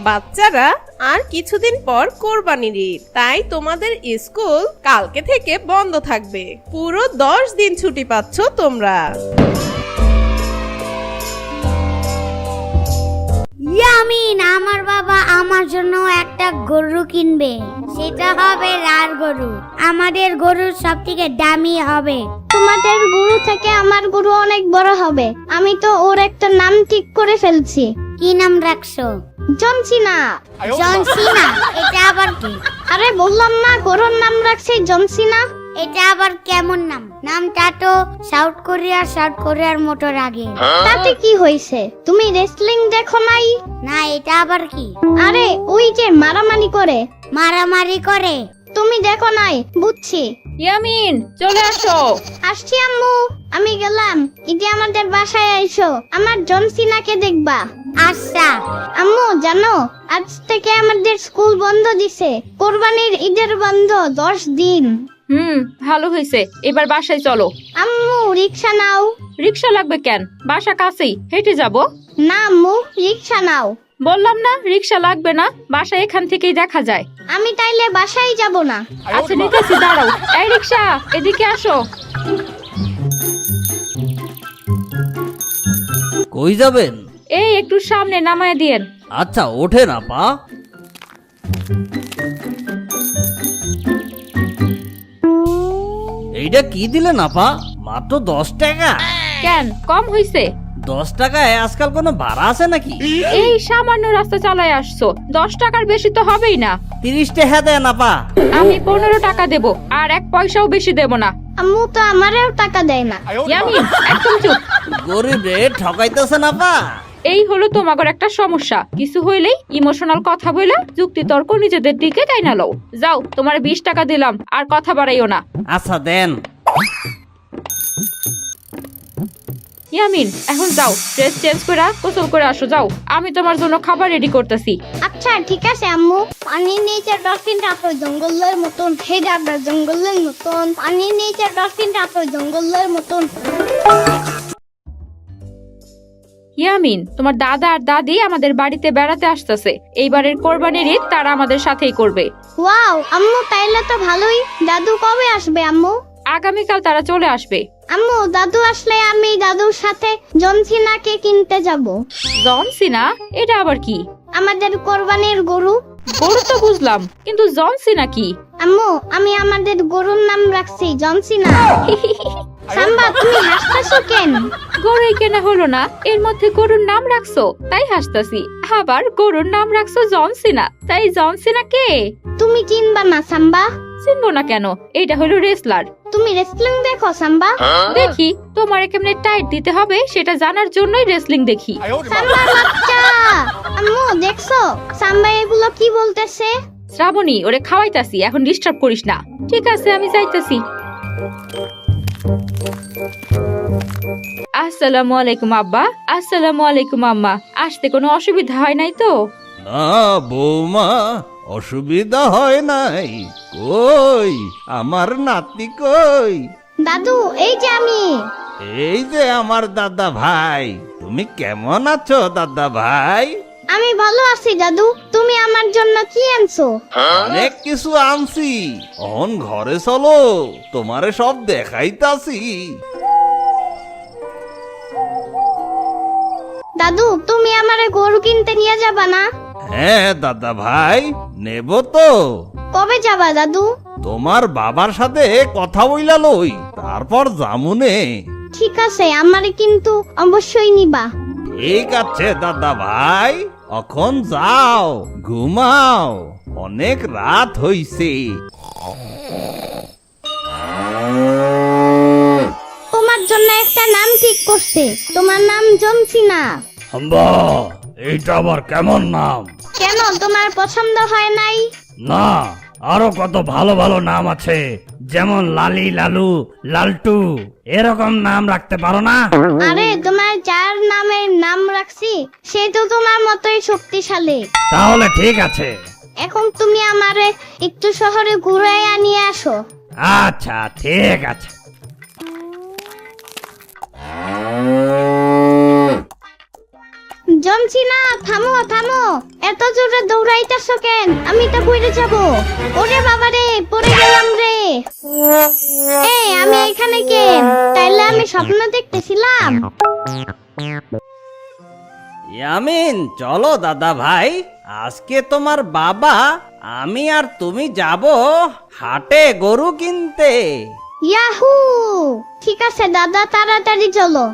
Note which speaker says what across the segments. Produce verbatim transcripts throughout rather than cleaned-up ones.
Speaker 1: বাচ্চারা আর কিছুদিন পর কোরবানির ঈদ, তাই তোমাদের স্কুল কালকে থেকে বন্ধ থাকবে। পুরো দশ দিন ছুটি পাচ্ছ তোমরা।
Speaker 2: ইয়ামিন, আমার বাবা আমার জন্য একটা গরু কিনবে, সেটা হবে লাল গরু। আমাদের গরু সব থেকে দামি হবে।
Speaker 3: তোমাদের গরু থেকে আমার গরু অনেক বড় হবে। আমি তো ওর একটা নাম ঠিক করে ফেলছি।
Speaker 2: কি নাম রাখছো?
Speaker 3: জনসিনা।
Speaker 2: জনসিনা? এটা আবার কি?
Speaker 3: আরে বললাম না, গরুর নাম রাখছি জনসিনা।
Speaker 2: এটা আবার কেমন নাম? নামটা তো সাউথ কোরিয়া সাউথ কোরিয়ার মতো লাগে।
Speaker 3: তাতে কি হয়েছে? তুমি রেসলিং দেখো নাই?
Speaker 2: না, এটা আবার কি?
Speaker 3: আরে ওই যে মারামারি করে।
Speaker 2: মারামারি করে?
Speaker 3: তুমি দেখো নাই? বুঝছি।
Speaker 4: ইয়ামিন, চলে আসো।
Speaker 3: আসছি আম্মু, আমি গেলাম। ইতি আমাদের বাসায় আইসো, আমার জনসিনাকে দেখবা।
Speaker 2: আচ্ছা।
Speaker 3: আম্মু জানো, আজ থেকে আমাদের স্কুল বন্ধ দিছে। কোরবানির ঈদের বন্ধ দশ দিন।
Speaker 4: হুম, ভালো হয়েছে। এবার বাসায় চলো।
Speaker 3: আম্মু রিক্সা নাও।
Speaker 4: রিক্সা লাগবে কেন? বাসা কাছেই, হেঁটে যাব।
Speaker 3: না আম্মু, রিক্সা নাও।
Speaker 4: বললাম না রিক্সা লাগবে না, বাসা এখান থেকেই দেখা যায়।
Speaker 3: আমি তাইলে বাসায় যাব না।
Speaker 4: আচ্ছা নিতেছি, দাঁড়াও। এই রিক্সা, এদিকে আসো।
Speaker 5: কই যাবেন?
Speaker 4: এই একটু সামনে নামায় দিয়েন।
Speaker 5: আচ্ছা ওঠেন আপা। এইটা কি দিলেন আপা? মাত্র দশ টাকা?
Speaker 4: কেন, কম হইছে?
Speaker 5: দশ টাকায় আজকাল কোনো ভাড়া আছে নাকি?
Speaker 4: এই সামান্য রাস্তা চালায় আসছো, দশ টাকার বেশি তো হবেই না।
Speaker 5: তিরিশ টাকা দেন আপা।
Speaker 4: আমি পনেরো টাকা দেব, আর এক পয়সাও বেশি দেব না।
Speaker 3: আম্মু তো আমারও টাকা দেয় না।
Speaker 4: ইয়ামিন, একদম চুপ।
Speaker 5: গরিব রে ঠকাইতেছেন আপা।
Speaker 4: এই হলো তোমাদের একটা সমস্যা। কিছু হইলেই ইমোশনাল কথা বলে যুক্তি তর্ক নিজেদের দিকে টাইনা লও। যাও, তোমার বিশ টাকা দিলাম, আর কথা বাড়াইও না।
Speaker 5: আচ্ছা দেন।
Speaker 4: ইয়ামিন, এখন যাও, ড্রেস চেঞ্জ করে গোসল করে আসো। যাও, আমি তোমার জন্য খাবার রেডি করতেছি।
Speaker 3: আচ্ছা ঠিক আছে আম্মু। পানির নিচে ডলফিনটা তো জঙ্গলের মতন, হে দাদা জঙ্গলের মতন। পানির নিচে ডলফিনটা তো জঙ্গলের মতন।
Speaker 4: ইয়ামিন, তোমার দাদা আর দাদি আমাদের বাড়িতে বেড়াতে আসতেছে। এইবারের কোরবানির ঈদ তারা আমাদের সাথেই করবে।
Speaker 3: ওয়াও আম্মু, তাইলে তো ভালোই। দাদু কবে আসবে আম্মু?
Speaker 4: আগামীকাল তারা চলে আসবে।
Speaker 3: আম্মু, দাদু আসলে আমি দাদুর সাথে জনসিনাকে কিনতে যাব।
Speaker 4: জনসিনা? এটা আবার কি?
Speaker 3: আমাদের কোরবানির গরু।
Speaker 4: গরু তো বুঝলাম, কিন্তু জনসিনা কি?
Speaker 3: আম্মু, আমি আমাদের গরুর নাম রাখছি জনসিনা। সাম্বা, তুমি হাসতেছো কেন?
Speaker 4: গরুই কেনা হলো না, এর মধ্যে গরুর নাম রাখছো তাই হাসতাছি। আবার গরুর নাম রাখছো জনসিনা, তাই জনসিনা কে?
Speaker 3: তুমি চিনবা না সাম্বা?
Speaker 4: চিনবো না কেন? এইটা হলো রেসলার।
Speaker 3: তুমি রেসলিং দেখো সাম্বা?
Speaker 4: দেখি, তোমার কেমনে টাইট দিতে হবে সেটা জানার জন্যই রেসলিং দেখি।
Speaker 3: সাম্বার বাচ্চা। আম্মু দেখছো সাম্বা এগুলো কি বলতেছে?
Speaker 4: শ্রাবণী, ওরে খাওয়াইতাছি, এখন ডিস্টার্ব করিস না। ঠিক আছে, আমি যাইতাছি। আসসালামু আলাইকুম আব্বা। আসসালামু আলাইকুম আম্মা। আসতে কোনো অসুবিধা হয় নাই তো?
Speaker 6: না বৌমা, অসুবিধা হয় নাই। কই আমার নাতি কই?
Speaker 3: দাদু, এই যে আমি।
Speaker 6: এই যে আমার দাদা ভাই। তুমি কেমন আছো দাদা ভাই?
Speaker 3: আমি ভালো আছি দাদু। তুমি আমার জন্য কি আনছো?
Speaker 6: অনেক কিছু আনছি। অন ঘরে চলো, তোমারে সব দেখাইতাছি।
Speaker 3: দাদু, তুমি আমারে গরু কিনতে নিয়ে যাবা না?
Speaker 6: হ্যাঁ দাদা ভাই, নেব তো।
Speaker 3: কবে যাবা দাদু?
Speaker 6: তোমার বাবার সাথে কথা বইলা লই, তারপর জামুনে।
Speaker 3: ঠিক আছে, আমারে কিন্তু অবশ্যই নিবা।
Speaker 6: ঠিক আছে দাদা ভাই, এখন যাও ঘুমাও, অনেক রাত হইছে।
Speaker 3: তোমার জন্য একটা নাম ঠিক করছে। তোমার নাম জনসিনা।
Speaker 5: হাম্বা, এইটা আবার কেমন নাম?
Speaker 3: কেন, তোমার পছন্দ হয় নাই?
Speaker 5: না, আরো কত ভালো ভালো নাম আছে, যেমন লালি, লালু, লালটু, এরকম নাম রাখতে পারো না?
Speaker 3: আরে তোমার যার নামের নাম রাখছি সে তো তোমার মতোই শক্তিশালী।
Speaker 5: তাহলে ঠিক আছে।
Speaker 3: এখন তুমি আমারে একটু শহরে ঘুরাইয়া নিয়ে আসো।
Speaker 5: আচ্ছা ঠিক আছে।
Speaker 3: জমছিনা, থামো থামো, এত জোরে দৌড়াইতেছো কেন? আমি তো পড়ে যাব। ওরে বাবা রে, পড়ে গেলাম রে। এই আমি এখানে কেন? তাইলে আমি স্বপ্ন দেখতেছিলাম।
Speaker 7: ইয়ামিন, চলো দাদা ভাই, আজকে তোমার বাবা, আমি আর তুমি যাব হাটে গরু কিনতে।
Speaker 3: ইয়াহু, ঠিক আছে দাদা, তাড়াতাড়ি চলো।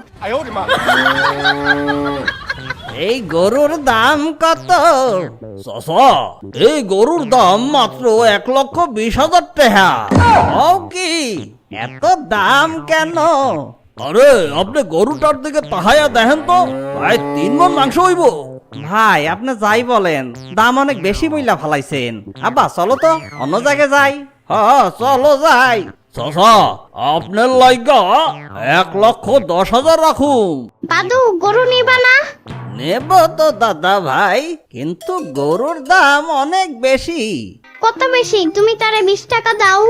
Speaker 7: এই গরুর দাম কত?
Speaker 6: চাচা, এই গরুর দাম মাত্র এক লক্ষ বিশ হাজার টাকা।
Speaker 7: ও কি, এত দাম কেন?
Speaker 6: আরে আপনি গরুটার দিকে তাহাইয়া দেখেন তো, প্রায় তিন মণ মাংস হইব।
Speaker 7: ভাই, আপনি যাই বলেন, দাম অনেক বেশি বইলা ফালাইছেন। আব্বা চলো তো অন্য জায়গায় যাই।
Speaker 6: হ চলো যাই। চাচা, আপনার লাইগা এক লক্ষ দশ হাজার রাখুন।
Speaker 3: দাদু, গরু নিবা না?
Speaker 7: নেব তো দাদা ভাই, কিন্তু গরুর দাম অনেক বেশি।
Speaker 3: কত বেশি? তুমি তারে বিশ টাকা দাও।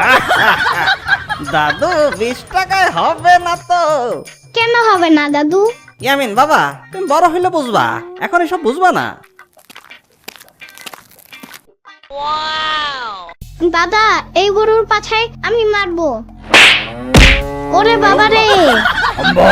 Speaker 7: দাদু, বিশ টাকায় হবে না তো।
Speaker 3: কেন হবে না দাদু?
Speaker 7: ইয়ামিন বাবা, তুমি বড় হইলে বুঝবা, এখন এসব বুঝবা না।
Speaker 3: দাদা, এই গরুর পাছায় আমি মারবো। ওরে বাবা রে।
Speaker 5: আম্মা!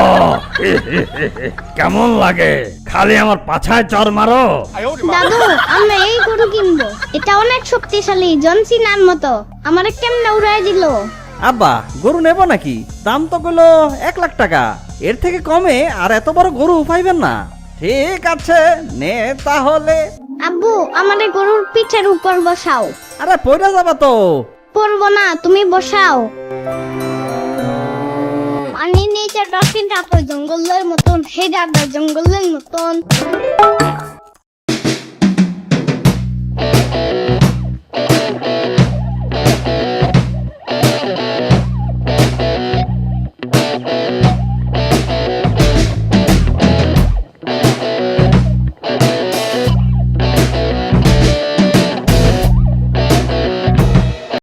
Speaker 5: কেমন লাগে? খালি আমার পাছায় চর মারো।
Speaker 3: দাদু, আমরা এই গরু কিনবো। এটা অনেক শক্তিশালী, জনসিনার মতো। আমারে কেমনে উড়াই দিল।
Speaker 7: আব্বা, গরু নেব নাকি? দাম তো কইলো এক লাখ টাকা, এর থেকে কমে আর এত বড় গরু পাইবেন না। ঠিক আছে, নে তাহলে।
Speaker 3: আব্বু, আমাদের গরুর পিঠের উপর বসাও।
Speaker 7: আরে পয়রা যাবা তো।
Speaker 3: পড়বো না, তুমি বসাও। পানির নিচে ডলফিনটা তো জঙ্গলের মতন, হে দাদা জঙ্গলের মতন।